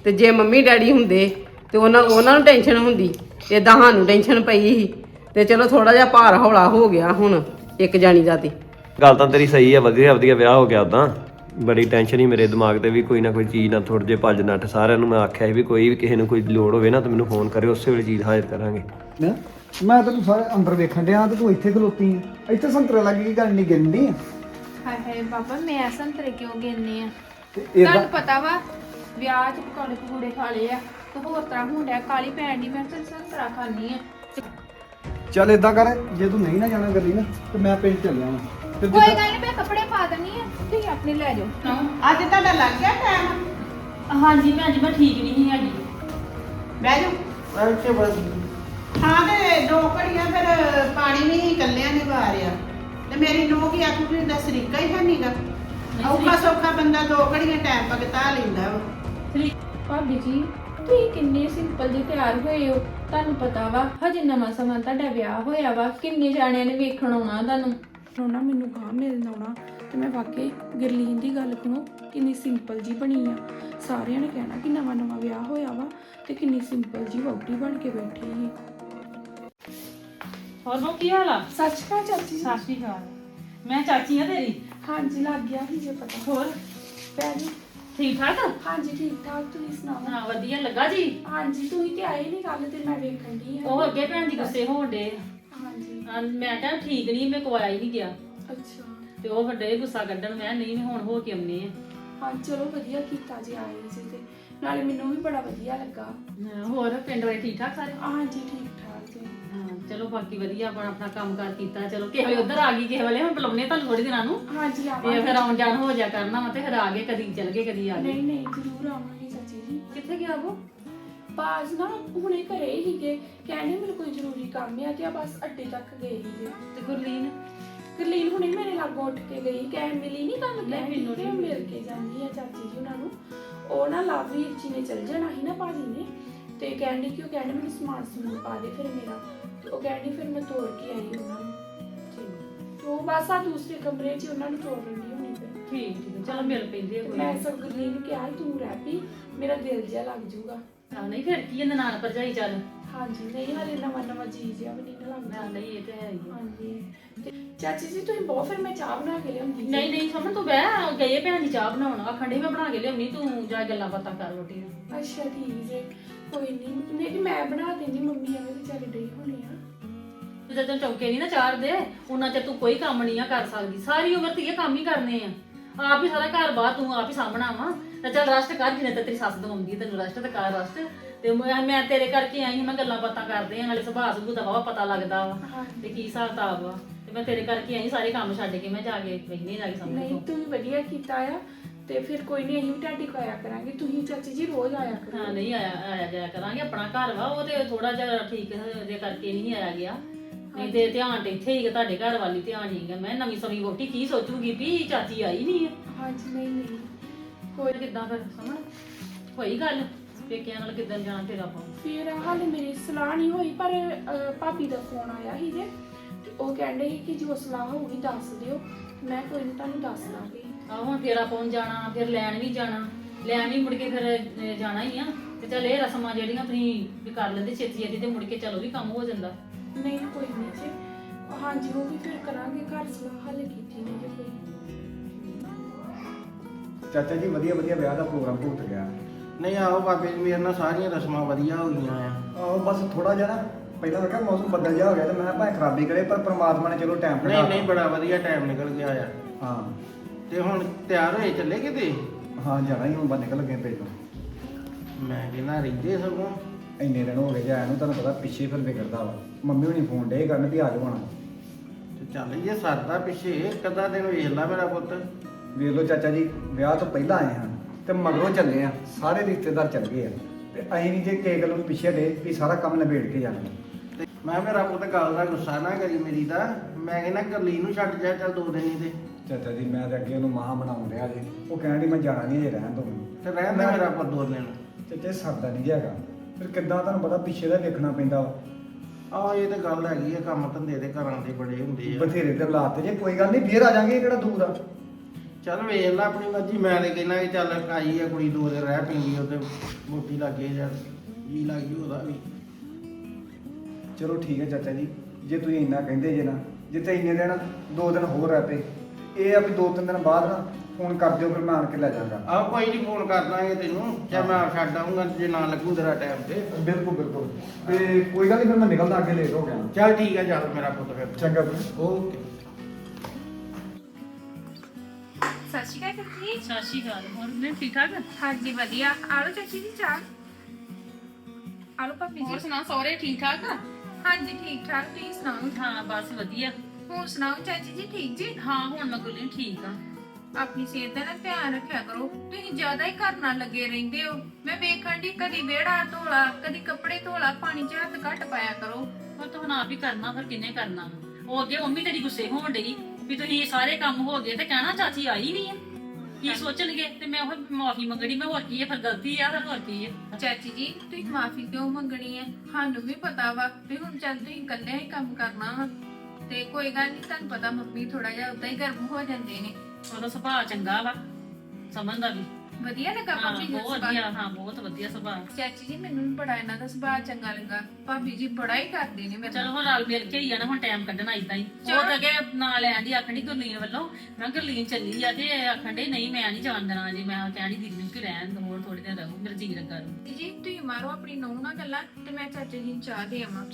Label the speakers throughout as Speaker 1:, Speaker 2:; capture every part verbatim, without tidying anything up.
Speaker 1: ਤੇ ਜੇ mummy daddy ਹੁੰਦੇ ਤੇ ਉਹਨਾਂ ਉਹਨਾਂ ਨੂੰ ਟੈਨਸ਼ਨ ਹੁੰਦੀ, ਇਦਾਂ ਸਾਨੂੰ ਟੈਨਸ਼ਨ ਪਈ ਸੀ। ਤੇ ਚਲੋ ਥੋੜਾ ਜਿਹਾ ਭਾਰ ਹੌਲਾ ਹੋ ਗਿਆ ਹੁਣ ਇੱਕ ਜਾਣੀ ਦਾ। ਤੇ
Speaker 2: ਗੱਲ ਤਾਂ ਤੇਰੀ ਸਹੀ ਆ, ਵਧੀਆ ਵਧੀਆ ਵਿਆਹ ਹੋ ਗਿਆ ਉਦਾਂ। ਬੜੀ ਟੈਨਸ਼ਨ ਹੀ ਮੇਰੇ ਦਿਮਾਗ ਤੇ ਵੀ ਕੋਈ ਨਾ ਕੋਈ ਚੀਜ਼ ਨਾ ਥੋੜ੍ਹੇ ਜਿਹੇ ਭੱਜ ਨੱਠ। ਸਾਰਿਆਂ ਨੂੰ ਮੈਂ ਆਖਿਆ ਸੀ ਵੀ ਕੋਈ ਵੀ ਕਿਸੇ ਨੂੰ ਕੋਈ ਲੋੜ ਹੋਵੇ ਨਾ ਤਾਂ ਮੈਨੂੰ ਫੋਨ ਕਰਿਓ, ਉਸੇ ਵੇਲੇ ਚੀਜ਼ ਹਾਜ਼ਰ ਕਰਾਂਗੇ।
Speaker 3: ਮੈਂ ਮੈਂ ਤੈਨੂੰ ਸਾਰੇ ਅੰਦਰ ਵੇਖਣ ਡਿਆ ਤੇ ਤੂੰ ਇੱਥੇ ਖਲੋਤੀ ਆ। ਇੱਥੇ ਸੰਤਰੇ ਲੱਗ ਕੀ ਗੱਲ ਨਹੀਂ ਗਿਣਦੀ ਆ।
Speaker 4: ਹਾਏ ਹਾਏ ਬਾਬਾ, ਮੈਂ ਸੰਤਰੇ ਕਿਉਂ ਗਿਣਨੇ ਆ?
Speaker 3: ਤੇ ਇਹਦਾ
Speaker 4: ਤੁਹਾਨੂੰ ਪਤਾ ਵਾ ਵਿਆਹ ਚ ਪਕੌੜੇ ਪਕੂੜੇ ਖਾ ਲਏ ਆ ਤੇ ਹੋਰ ਤਰ੍ਹਾਂ ਹੁੰਦਾ ਕਾਲੀ ਭੈਣ ਦੀ, ਮੈਂ ਤਾਂ ਸੰਤਰਾ ਖਾਣੀ ਆ।
Speaker 3: ਚੱਲ ਏਦਾਂ ਕਰ, ਜੇ ਤੂੰ ਨਹੀਂ ਨਾ ਜਾਣਾ ਗੱਲੀ ਨਾ ਤੇ ਮੈਂ ਪਿੰਡ ਚੱਲਿਆ ਵਾਂ। ਤੇ
Speaker 4: ਕੋਈ
Speaker 3: ਜਿੱਦਾਂ-
Speaker 4: ਗੱਲ ਨਹੀਂ, ਮੈਂ ਕੱਪੜੇ ਪਾ ਦਨੀ ਆ, ਤੁਸੀਂ ਆਪਣੇ ਲੈ ਜਾਓ।
Speaker 5: ਅੱਜ ਤੁਹਾਡਾ ਲੱਗ ਗਿਆ ਟਾਈਮ?
Speaker 6: ਹਾਂਜੀ ਭੈਣ ਜੀ, ਮੈਂ ਠੀਕ ਨਹੀਂ ਸੀ ਹੈਗੀ।
Speaker 5: ਬਹਿ ਜਾਓ। ਅੱਛਾ ਬਸ ਹਾਂ, ਤੇ ਦੋ ਘੜੀਆਂ ਫਿਰ ਪਾਣੀ ਨਹੀਂ ਇਕੱਲਿਆਂ ਨੇ ਵਾਰਿਆ ਤੇ ਮੇਰੀ ਨੂੰਹ ਕੀ ਆਖੂ ਵੀ ਦਾ ਸਰੀਕਾ ਹੀ ਹੈ ਨੀਗਾ। ਔਖਾ ਸੌਖਾ ਬੰਦਾ ਦੋ ਘੜੀਆਂ ਟਾਈਮ ਪਕਤਾ ਲੈਂਦਾ ਵਾ।
Speaker 4: ਭਾਬੀ ਜੀ, ਤੁਸੀਂ ਕਿੰਨੇ ਸਿੰਪਲ ਜਿਹੇ ਤਿਆਰ ਹੋਏ ਹੋ। ਤੁਹਾਨੂੰ ਪਤਾ ਵਾ ਹਜੇ ਨਵਾਂ ਸਮਾਂ ਤੁਹਾਡਾ ਵਿਆਹ ਹੋਇਆ ਵਾ, ਕਿੰਨੇ ਜਾਣਿਆਂ ਨੇ ਵੇਖਣ ਆਉਣਾ ਤੁਹਾਨੂੰ।
Speaker 7: ਰੋਣਾ ਮੈਨੂੰ ਗਾਂ ਮਿਲਣ ਆਉਣਾ ਤੇ ਮੈਂ ਵਾਕਈ ਗਰਲੀਨ ਦੀ ਗੱਲ ਸੁਣੋ, ਕਿੰਨੀ ਸਿੰਪਲ ਜੀ ਬਣੀ ਆ। ਸਾਰਿਆਂ ਨੇ ਕਹਿਣਾ ਕਿ ਨਵਾਂ ਨਵਾਂ ਵਿਆਹ ਹੋਇਆ ਵਾ ਤੇ ਕਿੰਨੀ ਸਿੰਪਲ ਜੀ ਵਹੁਟੀ ਬਣ ਕੇ ਬੈਠੀ ਸੀ।
Speaker 6: ਹੋਰ ਨੂੰ ਕੀ ਹਾਲ ਆ?
Speaker 7: ਸੱਚ ਕਾ ਚਾਚੀ?
Speaker 6: ਸਤਿ ਸ਼੍ਰੀ ਅਕਾਲ। ਮੈਂ ਚਾਚੀ ਆ ਤੇਰੀ।
Speaker 7: ਹਾਂਜੀ, ਲੱਗ ਗਿਆ ਸੀ ਜੇ ਪਤਾ।
Speaker 6: ਹੋਰ
Speaker 7: ਭੈਣ ਜੀ
Speaker 6: ਠੀਕ ਠਾਕ?
Speaker 7: ਹਾਂਜੀ ਠੀਕ ਠਾਕ, ਤੁਸੀਂ ਸੁਣਾਓ?
Speaker 6: ਹਾਂ ਵਧੀਆ ਲੱਗਾ ਜੀ।
Speaker 7: ਹਾਂਜੀ, ਤੁਸੀਂ ਤੇ ਆਏ ਨਹੀਂ ਕੱਲ ਤੇ ਮੈਂ ਵੇਖਣ ਦੀ ਆ।
Speaker 6: ਉਹ ਅੱਗੇ ਭੈਣ ਜੀ ਗੁੱਸੇ ਹੋਣ ਡੇ।
Speaker 7: ਹਾਂਜੀ
Speaker 6: ਹਾਂ, ਮੈਂ ਕਿਹਾ ਠੀਕ ਨਹੀਂ, ਮੈਂ ਕੋਇਆ ਹੀ ਨਹੀਂ ਗਿਆ
Speaker 7: ਅੱਛਾ।
Speaker 6: ਤੇ ਉਹ ਵੱਡੇ ਗੁੱਸਾ ਕੱਢਣ। ਮੈਂ ਨਹੀਂ, ਮੈਂ ਹੁਣ ਹੋ ਕੇ ਆਉਨੇ ਆ।
Speaker 7: ਹਾਂ ਚਲੋ ਵਧੀਆ ਕੀਤਾ ਜੇ ਆਏ ਜੀ, ਤੇ ਨਾਲੇ ਮੈਨੂੰ ਵੀ ਬੜਾ ਵਧੀਆ ਲੱਗਾ।
Speaker 6: ਹਾਂ, ਹੋਰ ਪਿੰਡ ਵਾਲੇ ਠੀਕ ਠਾਕ ਸਾਰੇ?
Speaker 7: ਹਾਂਜੀ ਠੀਕ ਠਾਕ ਜੀ।
Speaker 6: ਹਾਂ ਚਲੋ ਬਾਕੀ ਵਧੀਆ, ਆਪਣਾ ਆਪਣਾ ਕੰਮ ਕਾਰ ਕੀਤਾ। ਚਲੋ ਕਿਸੇ ਵੇਲੇ ਉੱਧਰ ਆ ਗਈ, ਕਿਸੇ ਵੇਲੇ ਹੁਣ ਬੁਲਾਉਣੇ ਤੁਹਾਨੂੰ ਥੋੜੀ ਦਿਨਾਂ ਨੂੰ।
Speaker 7: ਹਾਂਜੀ
Speaker 6: ਤੇ
Speaker 7: ਆਵਾਂਗੇ।
Speaker 6: ਫਿਰ ਆਉਣ ਜਾਣ ਹੋ ਜਾ ਕਰਨਾ ਵਾ, ਤੇ ਫਿਰ ਆ ਗਏ, ਕਦੀ ਚਲ ਗਏ ਕਦੀ ਆ ਗਏ।
Speaker 7: ਨਹੀਂ ਨਹੀਂ ਜ਼ਰੂਰ ਆਵਾਂਗੇ ਚਾਚੀ ਜੀ।
Speaker 6: ਕਿੱਥੇ ਗਿਆ ਉਹ?
Speaker 7: ਬਾਜ਼ ਨਾ ਹੁਣੇ ਘਰੇ ਹੀਗੇ, ਕਹਿੰਦੇ ਮੈਨੂੰ ਕੋਈ ਜ਼ਰੂਰੀ ਕੰਮ ਆ ਤੇ ਆ ਬਸ ਅੱਡੇ ਤੱਕ ਗਏ ਹੀਗੇ।
Speaker 6: ਤੇ ਗੁਰਲੀਨ?
Speaker 7: ਗਰਲੀਨ ਹੁਣੇ ਮੇਰੇ ਲਾਗੋਂ ਉੱਠ ਕੇ ਗਈ, ਕਹਿ ਮਿਲੀ ਨਹੀਂ ਤੁਹਾਨੂੰ?
Speaker 6: ਨਹੀਂ,
Speaker 7: ਕਹਿ
Speaker 6: ਮੈਨੂੰ
Speaker 7: ਤੇ
Speaker 6: ਨਹੀਂ
Speaker 7: ਮਿਲ ਕੇ ਜਾਂਦੀ ਆ ਚਾਚੀ ਜੀ ਉਹਨਾਂ ਨੂੰ। ਉਹ ਨਾ ਲਵਵੀਰ ਜੀ ਨੇ ਚਲ ਜਾਣਾ ਸੀ ਨਾ ਭਾਜੀ ਨੇ, ਤੇ ਕਹਿੰਦੀ ਕਿ ਉਹ ਕਹਿੰਦੇ ਮੈਨੂੰ ਸਮਾਨ ਸਮੂਨ ਪਾ ਦੇ ਫਿਰ ਮੇਰਾ। ਤੇ ਉਹ ਕਹਿੰਦੀ ਫਿਰ ਮੈਂ ਤੋੜ ਕੇ ਆਈ ਉਹਨਾਂ ਨੂੰ। ਤੇ ਉਹ ਬਸ ਆ ਦੂਸਰੇ ਕਮਰੇ 'ਚ ਉਹਨਾਂ ਨੂੰ ਤੋੜ ਲੈਂਦੀ ਹੋਣੀ ਫਿਰ।
Speaker 6: ਠੀਕ ਠੀਕ, ਚਲੋ ਮਿਲ ਪੈਂਦੇ ਆ
Speaker 7: ਤੇ
Speaker 6: ਕੋਈ।
Speaker 7: ਮੈਂ ਸਭ ਗਰਲੀਨ ਨੂੰ ਕਿਹਾ ਤੂੰ ਰਹਿ ਪਈ, ਮੇਰਾ ਦਿਲ ਜਿਹਾ ਲੱਗ ਜੂਗਾ।
Speaker 6: ਹਾਂ ਨਹੀਂ ਫਿਰ ਕੀ ਹੈ, ਨਨਾਣ ਭਰਜਾਈ ਚੱਲ।
Speaker 7: ਹਾਂਜੀ ਨਹੀਂ, ਹਲੇ ਨਵਾਂ ਨਵਾਂ ਜੀ ਜਿਹਾ ਵੀ ਨਹੀਂ ਨਾ ਲੱਗਦਾ।
Speaker 6: ਨਾ ਨਹੀਂ ਇਹ ਤੇ ਹੈ ਹੀ ਆ।
Speaker 7: ਹਾਂਜੀ ਤੇ ਚਾਚੀ ਜੀ ਤੁਸੀਂ ਬਹੁਤ, ਫਿਰ ਮੈਂ ਚਾਹ ਬਣਾ ਕੇ ਲਿਆਉਂਦੀ।
Speaker 6: ਨਹੀਂ ਨਹੀਂ ਸਮਝ ਤੂੰ ਬਹਿ, ਗਏ ਭੈਣ ਦੀ ਚਾਹ ਬਣਾਉਣ, ਆਖਣ ਡਈ ਮੈਂ ਬਣਾ ਕੇ ਲਿਆਉਣੀ, ਤੂੰ ਜਾ ਗੱਲਾਂ ਬਾਤਾਂ ਕਰ ਰੋਟੀ ਨਾਲ।
Speaker 7: ਅੱਛਾ ਠੀਕ ਜੇ, ਕੋਈ ਨਹੀਂ। ਨਹੀਂ ਤੇ ਮੈਂ ਬਣਾ ਦਿੰਦੀ, ਮੰਮੀ ਐਵੇਂ ਵਿਚਾਰੇ ਡਈ ਹੋਣੀ ਆ।
Speaker 6: ਤੂੰ ਜਦੋਂ ਚੌਕੇ ਨਹੀਂ ਨਾ ਚਾੜਦੇ ਉਹਨਾਂ ਚ ਤੂੰ ਕੋਈ ਕੰਮ ਨਹੀਂ ਆ ਕਰ ਸਕਦੀ। ਸਾਰੀ ਉਮਰ ਤੇ ਇਹ ਕੰਮ ਹੀ ਕਰਨੇ ਆ, ਆਪ ਹੀ ਸਾਰਾ ਘਰ ਬਾਹਰ ਤੂੰ ਆਪ ਹੀ ਸਾਂਭਣਾ ਵਾ। ਤੇ ਚੱਲ ਰੈਸਟ ਕਰ, ਜਿੰਨੇ ਤੇ ਤੇਰੀ ਸੱਸ ਦਵਾਉਂਦੀ ਤੈਨੂੰ ਰੈਸਟ ਤੇ ਕਰ ਰੈਸਟ। ਤੇ ਮੈਂ ਮੈਂ ਤੇਰੇ ਕਰਕੇ ਆਈ, ਮੈਂ ਗੱਲਾਂ ਬਾਤਾਂ ਕਰਦੇ ਆ, ਨਾਲੇ ਸੁਭਾਅ ਸੁਭੂ ਦਾ ਵਾ ਪਤਾ ਲੱਗਦਾ ਵਾ ਤੇ ਕੀ ਹਿਸਾਬ ਕਿਤਾਬ ਵਾ। ਤੇ ਮੈਂ ਤੇਰੇ ਕਰਕੇ ਆਈ, ਸਾਰੇ ਕੰਮ ਛੱਡ ਕੇ ਮੈਂ ਜਾ ਕੇ ਬੈਠੀ ਜਾ ਕੇ ਸਾਹਮਣੇ।
Speaker 7: ਨਹੀਂ ਤੁਸੀਂ ਵਧੀਆ ਕੀਤਾ ਆ, ਤੇ ਫਿਰ ਕੋਈ ਨਹੀਂ, ਅਸੀਂ ਵੀ ਤੁਹਾਡੀ ਕੋ ਆਇਆ ਕਰਾਂਗੇ। ਤੁਸੀਂ ਚਾਚੀ ਜੀ ਰੋਜ਼ ਆਇਆ ਕਰੋ।
Speaker 6: ਹਾਂ ਨਹੀਂ ਆਇਆ ਆਇਆ ਜਾਇਆ ਕਰਾਂਗੇ, ਆਪਣਾ ਘਰ ਵਾ। ਉਹ ਤੇ ਥੋੜਾ ਜਿਹਾ ਠੀਕ ਜੇ ਕਰਕੇ ਨਹੀਂ ਆਇਆ ਗਿਆ, ਨਹੀਂ ਤੇ ਧਿਆਨ ਤੇ ਇੱਥੇ ਹੀ ਤੁਹਾਡੇ ਘਰ ਵਾਲੀ ਧਿਆਨ ਹੀ ਗਾ। ਮੈਂ ਨਵੀਂ ਸਵੀਂ ਵੋਟੀ ਕੀ ਸੋਚੂਗੀ ਵੀ ਚਾਚੀ ਆਈ ਨਹੀਂ ਹੈ।
Speaker 7: ਹਾਂਜੀ ਨਹੀਂ ਨਹੀਂ
Speaker 6: ਕੋਈ ਕਿੱਦਾਂ ਫਿਰ ਸਮਝ ਹੋਈ ਗੱਲ ਪੇਕਿਆਂ ਨਾਲ ਕਿੱਦਣ ਜਾਣਾ ਫਿਰ ਆਪਾਂ?
Speaker 7: ਫਿਰ ਹਾਲੇ ਮੇਰੀ ਸਲਾਹ ਨਹੀਂ ਹੋਈ, ਪਰ ਅਹ, ਭਾਬੀ ਦਾ ਫੋਨ ਆਇਆ ਸੀ ਜੇ, ਤੇ ਉਹ ਕਹਿੰਦੇ ਸੀ ਕਿ ਜੋ ਸਲਾਹ ਹੋਊਗੀ ਦੱਸ ਦਿਓ। ਮੈਂ ਕੋਈ ਨਹੀਂ ਤੁਹਾਨੂੰ ਦੱਸ ਦਾਂਗੀ।
Speaker 6: ਆਹ ਹੁਣ ਫੇਰਾ ਪਾਉਣ ਜਾਣਾ, ਫਿਰ ਲੈਣ ਵੀ ਜਾਣਾ, ਲੈਣ ਵੀ ਮੁੜ ਕੇ ਫਿਰ ਅਹ, ਜਾਣਾ ਹੀ ਆ। ਤੇ ਚੱਲ ਇਹ ਰਸਮਾਂ ਜਿਹੜੀਆਂ ਤੁਸੀਂ ਵੀ ਕਰ ਲੈਂਦੇ ਛੇਤੀ ਛੇਤੀ, ਤੇ ਮੁੜ ਕੇ ਚਲੋ ਵੀ ਕੰਮ ਹੋ ਜਾਂਦਾ।
Speaker 7: ਨਹੀਂ ਕੋਈ ਨਹੀਂ ਜੀ, ਹਾਂਜੀ ਉਹ ਵੀ ਫਿਰ ਕਰਾਂਗੇ, ਘਰ ਸਲਾਹ ਹਾਲੇ ਕੀਤੀ ਨਹੀਂ ਜੇ ਕੋਈ।
Speaker 3: ਚਾਚਾ ਜੀ ਵਧੀਆ ਵਧੀਆ ਵਿਆਹ ਦਾ ਪ੍ਰੋਗਰਾਮ ਭੁਗਤ ਗਿਆ।
Speaker 8: ਨਹੀਂ ਆਓ ਬਾਬੇ ਜੀ, ਮੇਰੇ ਨਾਲ ਸਾਰੀਆਂ ਰਸਮਾਂ ਵਧੀਆ ਹੋ ਗਈਆਂ ਆ।
Speaker 3: ਆਹ ਬਸ ਥੋੜਾ ਜਿਹਾ ਨਾ ਪਹਿਲਾਂ ਮੈਂ ਕਿਹਾ ਮੌਸਮ ਬੱਦਲ ਜਿਹਾ ਹੋ ਗਿਆ ਤੇ ਮੈਂ ਭਾਵੇਂ ਖਰਾਬੀ ਕਰੇ, ਪਰ ਪ੍ਰਮਾਤਮਾ ਨੇ ਚਲੋ ਟਾਈਮ
Speaker 8: ਨਹੀਂ ਨਹੀਂ ਬੜਾ ਵਧੀਆ ਟਾਈਮ ਨਿਕਲ ਗਿਆ ਆ।
Speaker 3: ਹਾਂ
Speaker 8: ਤੇ ਹੁਣ ਤਿਆਰ ਹੋਏ ਚੱਲੇ ਕਿਤੇ?
Speaker 3: ਹਾਂ ਜਾਣਾ ਹੀ ਹੁਣ, ਬਾ ਨਿਕਲ ਗਏ ਪੇਟੋਂ।
Speaker 8: ਮੈਂ ਕਹਿੰਦਾ ਰਹਿੰਦੇ ਸਗੋਂ।
Speaker 3: ਇੰਨੇ ਦਿਨ ਹੋ ਗਏ ਜਾਇਆ ਨੂੰ, ਤੁਹਾਨੂੰ ਪਤਾ ਪਿੱਛੇ ਫਿਰ ਵਿਗੜਦਾ ਵਾ। ਮੰਮੀ ਹੁਣੀ ਫੋਨ ਡੇ ਕਰਨ ਵੀ ਆ ਜਾਓ ਹੁਣ।
Speaker 8: ਤੇ ਚੱਲ ਜੇ ਸਰਦਾ ਪਿੱਛੇ ਕਦਾ ਦਿਨ ਵੇਖ ਲਾ ਮੇਰਾ ਪੁੱਤ।
Speaker 3: ਵੇਖ ਲਓ ਚਾਚਾ ਜੀ, ਵਿਆਹ ਤੋਂ ਪਹਿਲਾਂ ਆਏ ਹਾਂ ਤੇ ਮਗਰੋਂ ਚੱਲੇ ਆ, ਸਾਰੇ ਰਿਸ਼ਤੇਦਾਰ ਚੱਲ ਗਏ ਆ, ਤੇ ਅਸੀਂ ਨਹੀਂ ਜੇ ਕਿਸੇ ਗੱਲੋਂ ਵੀ ਪਿੱਛੇ ਡੇ ਵੀ ਸਾਰਾ ਕੰਮ ਨਿਬੇੜ ਕੇ ਜਾਣਾ।
Speaker 8: ਤੇ ਮੈਂ ਮੇਰਾ ਪੁੱਤ ਗੱਲ ਦਾ ਗੁੱਸਾ ਨਾ ਕਰੀ ਮੇਰੀ ਦਾ। ਮੈਂ ਕਹਿੰਦਾ ਗਰਲੀਨ ਨੂੰ ਛੱਡ ਜਾ ਚੱਲ ਦੋ ਦਿਨ ਹੀ ਤੇ।
Speaker 3: ਚਾਚਾ ਜੀ ਮੈਂ ਤਾਂ ਅੱਗੇ ਉਹਨੂੰ ਮਾਂ ਬਣਾਉਣ ਰਿਹਾ ਜੀ, ਉਹ ਕਹਿਣ ਡਈ ਮੈਂ ਜਾਣਾ ਨਹੀਂ, ਅਜੇ ਰਹਿਣ ਦੋ ਮੈਨੂੰ।
Speaker 8: ਤੇ ਰਹਿਣ ਦੇ ਮੇਰਾ ਪੁੱਤ ਦੋ ਦਿਨ।
Speaker 3: ਚਾਚੇ ਸਰਦਾ ਨਹੀਂ ਹੈਗਾ, ਫਿਰ ਕਿੱਦਾਂ ਤੁਹਾਨੂੰ ਪਤਾ ਪਿੱਛੇ ਦਾ ਵੇਖਣਾ ਪੈਂਦਾ ਵਾ।
Speaker 8: ਆਹ ਇਹ ਤੇ ਗੱਲ ਹੈਗੀ ਆ, ਕੰਮ ਧੰਦੇ ਦੇ ਘਰਾਂ ਦੇ ਬੜੇ ਹੁੰਦੇ ਆ।
Speaker 3: ਬਥੇਰੇ ਤੇ ਲਾਤੇ ਜੇ, ਕੋਈ ਗੱਲ ਨਹੀਂ ਫੇਰ ਆ ਜਾਾਂਗੇ, ਕਿਹੜਾ ਦੂਰ ਆ।
Speaker 8: ਚੱਲ ਵੇਖ ਲੈ ਆਪਣੀ ਮਰਜ਼ੀ, ਮੈਂ ਤੇ ਕਹਿਣਾ ਕਿ ਚੱਲ ਆਈ ਆ ਕੁੜੀ ਦੋ ਦਿਨ ਰਹਿ ਪੈਂਦੀ ਉਹ ਤੇ ਮੋਟੀ ਲੱਗੇ ਯਾਰ ਜੀ ਲੱਗ ਜੂ ਉਹਦਾ ਵੀ।
Speaker 3: ਚਲੋ ਠੀਕ ਹੈ ਚਾਚਾ ਜੀ, ਜੇ ਤੁਸੀਂ ਇੰਨਾ ਕਹਿੰਦੇ ਜੇ ਨਾ, ਜਿੱਥੇ ਇੰਨੇ ਦਿਨ ਦੋ ਦਿਨ ਹੋਰ ਰਹਿ ਪਏ, ਇਹ ਆ ਵੀ ਦੋ ਤਿੰਨ ਦਿਨ ਬਾਅਦ ਨਾ ਫੋਨ ਕਰ ਦਿਓ, ਫਿਰ ਮੈਂ ਆਣ ਕੇ ਲੈ ਜਾਵਾਂਗਾ।
Speaker 8: ਆਹ ਕੋਈ ਨਹੀਂ, ਫੋਨ ਕਰ ਦਾਂਗੇ ਤੈਨੂੰ, ਚਾਹੇ ਮੈਂ ਛੱਡ ਆਊਂਗਾ ਜੇ ਨਾ ਲੱਗੂ ਤੇਰਾ ਟਾਈਮ ਤੇ।
Speaker 3: ਬਿਲਕੁਲ ਬਿਲਕੁਲ, ਤੇ ਕੋਈ ਗੱਲ ਨਹੀਂ, ਫਿਰ ਮੈਂ ਨਿਕਲਦਾ, ਅੱਗੇ ਲੇਟ ਹੋ ਗਿਆ।
Speaker 8: ਚੱਲ ਠੀਕ ਹੈ, ਚੱਲ ਮੇਰਾ ਪੁੱਤ ਫਿਰ।
Speaker 3: ਚੰਗਾ ਵੀਰੇ।
Speaker 8: ਓਕੇ।
Speaker 7: ਸਤਿ ਸ਼੍ਰੀ ਅਕਾਲ ਚਾਚੀ।
Speaker 6: ਸਤਿ ਸ਼੍ਰੀ ਅਕਾਲ। ਹੋਰ ਮੈਂ ਠੀਕ ਠਾਕ?
Speaker 7: ਹਾਂਜੀ ਵਧੀਆ। ਆਲੋ ਚਾਚੀ ਜੀ ਚਾਹ। ਆਲੋ ਭਾਬੀ
Speaker 6: ਹੋਰ
Speaker 7: ਜੀ।
Speaker 6: ਸੁਣਾ, ਸਹੁਰੇ ਠੀਕ ਠਾਕ?
Speaker 7: ਹਾਂਜੀ ਠੀਕ ਠਾਕ, ਤੁਸੀਂ ਸੁਣਾਓ?
Speaker 6: ਹਾਂ ਬਸ ਵਧੀਆ।
Speaker 7: ਹੋਰ ਸੁਣਾਓ ਚਾਚੀ ਜੀ, ਠੀਕ ਜੀ?
Speaker 6: ਹਾਂ ਹੁਣ ਮੈਂ ਗੁੱਲੀ ਠੀਕ ਆ।
Speaker 7: ਆਪਣੀ ਸਿਹਤ ਦਾ ਨਾ ਧਿਆਨ ਰੱਖਿਆ ਕਰੋ, ਤੁਸੀਂ ਜ਼ਿਆਦਾ ਹੀ ਘਰ ਨਾਲ ਲੱਗੇ ਰਹਿੰਦੇ ਹੋ। ਮੈਂ ਵੇਖਣ ਦੀ ਕਦੀ ਵਿਹੜਾ ਧੋਲਾ, ਕਦੀ ਕੱਪੜੇ ਧੋਲਾ, ਪਾਣੀ ਚ ਹੱਥ ਘੱਟ ਪਾਇਆ ਕਰੋ।
Speaker 6: ਪਰ ਤੂੰ ਹੁਣ ਆਪ ਹੀ ਕਰਨਾ, ਫਿਰ ਕਿੰਨੇ ਕਰਨਾ? ਉਹ ਅੱਗੇ ਮੰਮੀ ਤੇਰੀ ਗੁੱਸੇ ਹੋਣ ਡਈ ਵੀ ਤੁਸੀਂ ਸਾਰੇ ਕੰਮ ਹੋ ਗਏ ਤੇ ਕਹਿਣਾ ਚਾਚੀ ਆਈ ਨਹੀਂ ਆ, ਕੀ ਸੋਚਣਗੇ? ਤੇ ਮੈਂ ਉਹ ਮਾਫੀ ਮੰਗਣੀ, ਮੈਂ ਹੋਰ ਕੀ ਹੈ, ਫਿਰ ਗਲਤੀ ਆ ਤਾਂ ਹੋਰ ਕੀ ਹੈ।
Speaker 7: ਚਾਚੀ ਜੀ ਤੁਸੀਂ ਮਾਫੀ ਕਿਉਂ ਮੰਗਣੀ ਹੈ? ਸਾਨੂੰ ਵੀ ਪਤਾ ਵਾ ਵੀ ਹੁਣ ਚੱਲ ਤੁਸੀਂ ਇਕੱਲੇ ਹੀ ਕੰਮ ਕਰਨਾ ਵਾ, ਤੇ ਕੋਈ ਗੱਲ ਨਹੀਂ, ਤੁਹਾਨੂੰ ਪਤਾ ਮੰਮੀ ਥੋੜਾ ਜਿਹਾ ਉਦਾਂ ਹੀ ਗਰਮ ਹੋ ਜਾਂਦੇ ਨੇ।
Speaker 6: ਉਹਦਾ ਸੁਭਾਅ ਚੰਗਾ ਵਾ, ਸਮਝਦਾ ਵੀ।
Speaker 7: ਵਧੀਆ ਲੱਗਾ
Speaker 6: ਹਾਂ
Speaker 7: ਭਾਬੀ ਜੀ ਦਾ
Speaker 6: ਬਹੁਤ
Speaker 7: ਸੁਭਾਅ।
Speaker 6: ਵਧੀਆ, ਹਾਂ ਬਹੁਤ ਵਧੀਆ ਸੁਭਾਅ।
Speaker 7: ਚਾਚੀ ਜੀ ਮੈਨੂੰ ਵੀ ਬੜਾ ਇਹਨਾਂ ਦਾ ਸੁਭਾਅ ਚੰਗਾ ਲੱਗਾ, ਭਾਬੀ ਜੀ ਬੜਾ ਹੀ ਕਰਦੇ ਨੇ ਮੇਰੇ
Speaker 6: ਚਲੋ
Speaker 7: ਨਾਲ।
Speaker 6: ਹੁਣ ਰਲ ਮਿਲ ਕੇ ਹੀ ਆ ਨਾ, ਹੁਣ ਟਾਈਮ ਕੱਢਣਾ ਇਦਾਂ ਹੀ। ਉਹ ਤਾਂ ਅੱਗੇ ਨਾਂ ਲੈਣ ਦੀ ਆਖਣ ਦੀ ਗੁਰਲੀਨ ਵੱਲੋਂ, ਮੈਂ ਗੁਰਲੀਨ ਚੱਲੀ ਆ ਤੇ ਆਖਣ ਦੇ ਨਹੀਂ ਮੈਂ ਨਹੀਂ ਜਾਣ ਦੇਣਾ ਜੀ, ਮੈਂ ਕਹਿਣੀ ਦੀਦੀ ਨੂੰ ਕਿ ਰਹਿਣ ਦੋ, ਹੋਰ ਥੋੜੇ ਦਿਨ ਰਹੋ, ਮੇਰਾ ਜੀ ਲੱਗਾ ਰਹੂ।
Speaker 7: ਜੀ ਤੁਸੀਂ ਮਾਰੋ ਆਪਣੀ ਨੂੰਹ ਨਾਲ ਗੱਲਾਂ, ਤੇ ਮੈਂ ਚਾਚੀ ਜੀ ਨੂੰ ਚਾਹ ਦੇ ਆਵਾਂ।